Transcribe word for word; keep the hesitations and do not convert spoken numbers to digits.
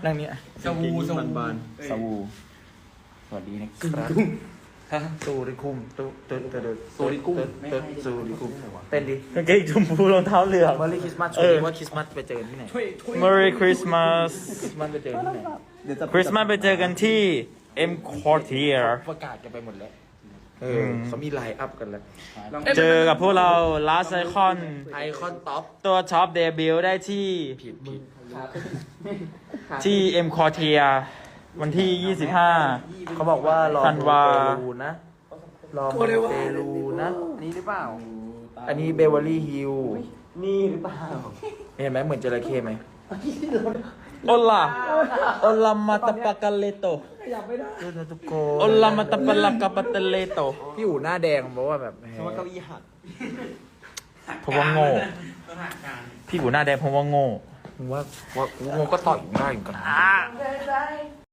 นั่งนี้สวูสวูบานสวูสวัสดีนะครับฮะสูริคุมตุตุตุตุสูริคุมตุสูริคุมเต้นดิกางเกงชมพูรองเท้าเหลืองเมอรี่คริสต์มาสช่วงนี้ว่าคริสต์มาสไปเจอที่ไหน Merry Christmas คริสต์มาสไปเจอที่ไหนคริสต์มาสไปเจอกันที่ M Quartier ประกาศกันไปหมดแล้วเออเขามีไลน์อัพกันแล้วเจอกับพวกเรา Last Icon ไอคอนท็อปตัวท็อปเดบิวต์ได้ที่ผิดผิดที่ M Quartier วันที่ ยี่สิบห้าเขาบอกว่ารอธันวาเปรูนะรอเปรูนะนี่หรือเปล่า อันนี้เบเวอร์ลี่ฮิลนี่หรือเปล่าเห็นไหมเหมือนจระเข้ไหมโอลาโอลามาตาปากาเลโตดูนะทุกคโอน ลามาตาปาลากาปาเตเลโตพี่อู๋หน้าแดงเพราะว่าแบบเพราะว่าเก้าอี้หักเพราะว่าโง่ พี่กูหน้าแดงเพราะว่าโง่มึงว่าว่ากูงงก็ต่อยมึงได้เหมือนกันนะ